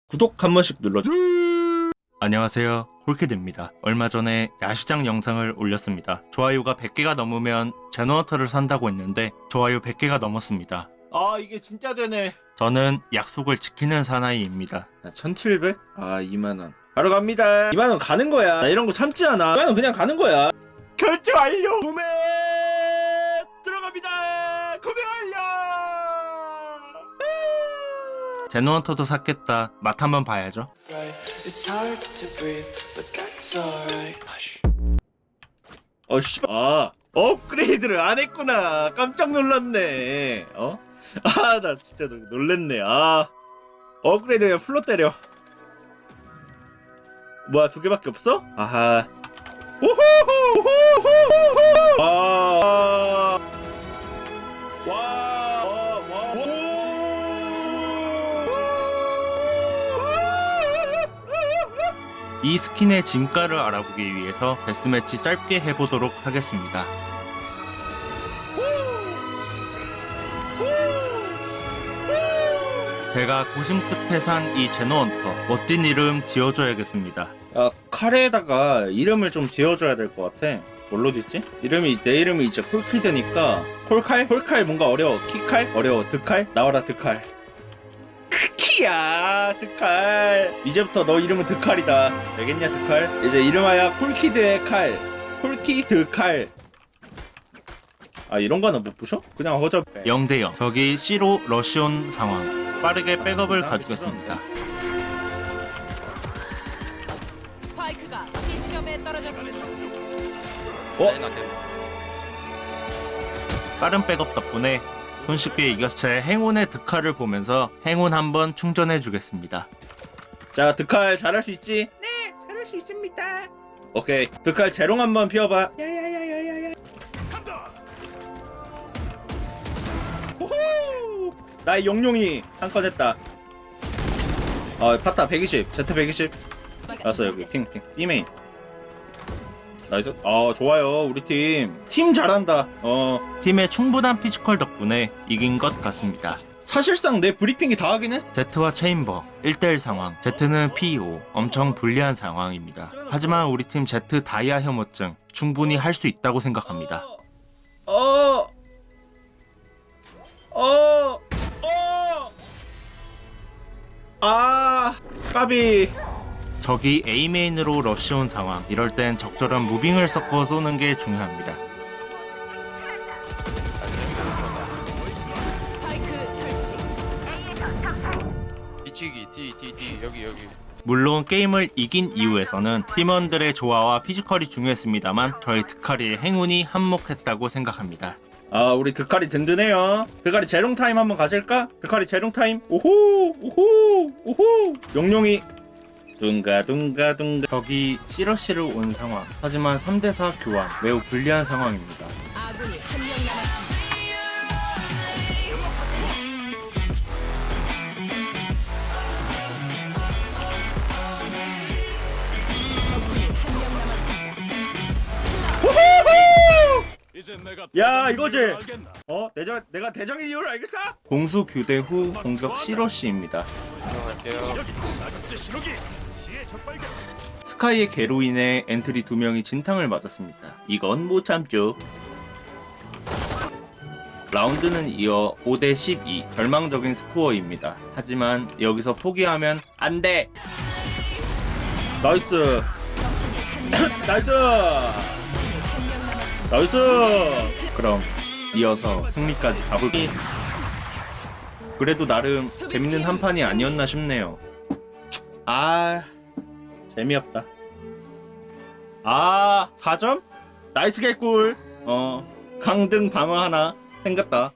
구독 한 번씩 눌러주세요. 안녕하세요, 홀키드입니다. 얼마 전에 야시장 영상을 올렸습니다. 좋아요가 100개가 넘으면 제너터를 산다고 했는데 좋아요 100개가 넘었습니다. 아 이게 진짜 되네. 저는 약속을 지키는 사나이입니다. 1700? 아 2만원 바로 갑니다. 2만원 가는 거야. 나 이런 거 참지 않아. 2만원 그냥 가는 거야. 결제 완료. 구매 들어갑니다. 구매 완료. 제너터도 샀겠다. 맛 한번 봐야죠. It's hard to breathe, but that's alright. 씨발. 아 업그레이드를 안 했구나. 깜짝 놀랐네. 아 나 진짜 놀랬네. 아 업그레이드 그냥 풀로 때려. 뭐야 두 개밖에 없어? 아하. 우후후후후후. 이 스킨의 진가를 알아보기 위해서 데스매치 짧게 해보도록 하겠습니다. 제가 고심 끝에 산 이 제너헌터 멋진 이름 지어줘야겠습니다. 칼에다가 이름을 좀 지어줘야 될 것 같아. 뭘로 짓지? 내 이름이 이제 콜키드니까 콜칼? 콜칼 뭔가 어려워. 키칼? 어려워. 드칼? 나와라 드칼. 크키야 드칼. 이제부터 너 이름은 드칼이다. 알겠냐 드칼? 이제 이름하여 콜키드의 칼. 콜키드 칼. 아 이런 거는 못 부셔? 그냥 허접. 0대0 저기 C로 러시온 상황. 빠르게 백업을 가주겠습니다. 스파이크가 C점에 떨어졌습니다. 빠른 백업 덕분에 손쉽게 이겼. 제 행운의 득칼을 보면서 행운 한번 충전해 주겠습니다. 자 드칼 잘할 수 있지? 네 잘할 수 있습니다. 오케이 드칼 재롱 한번 피워봐. 야야야야야야. 호호 나의 용룡이 한 건 했다. 파타 120 Z 120. 알았어 여기 핑핑 B메인. 나이스. 좋아요 우리 팀 잘한다. 팀의 충분한 피지컬 덕분에 이긴 것 같습니다. 사실상 내 브리핑이 다 하긴 했어. Z와 체인버 1대1 상황. Z는 PO 엄청 불리한 상황입니다. 하지만 우리 팀 Z 다이아 혐오증 충분히 할 수 있다고 생각합니다. 까비. 적이 A메인으로 러시온 상황. 이럴 땐 적절한 무빙을 섞어 쏘는 게 중요합니다. 스파이크 설치. 뒤치기 D 여기 물론 게임을 이긴 이후에서는 팀원들의 조화와 피지컬이 중요했습니다만 저희 드카리의 행운이 한몫했다고 생각합니다. 우리 드카리 든든해요. 드카리 재롱 타임 한번 가질까? 드카리 재롱 타임. 오호. 용룡이 둥가. 적이 시러시를 온 상황. 하지만 3대4 교환 매우 불리한 상황입니다. 아군이 한 명 남았습니다. 적군이 한 명 남았습니다. 야 이거지. 내가 대장의 이유를 알겠어? 공수 교대 후 공격 시러시입니다. 들어갈게요. 스카이의 개로 인해 엔트리 2명이 진탕을 맞았습니다. 이건 못 참죠. 라운드는 이어 5대12 절망적인 스코어입니다. 하지만 여기서 포기하면 안 돼. 나이스. 나이스. 나이스. 그럼 이어서 승리까지 가볼게요. 그래도 나름 재밌는 한 판이 아니었나 싶네요. 재미없다. 4점? 나이스 개꿀. 강등 방어 하나 생겼다.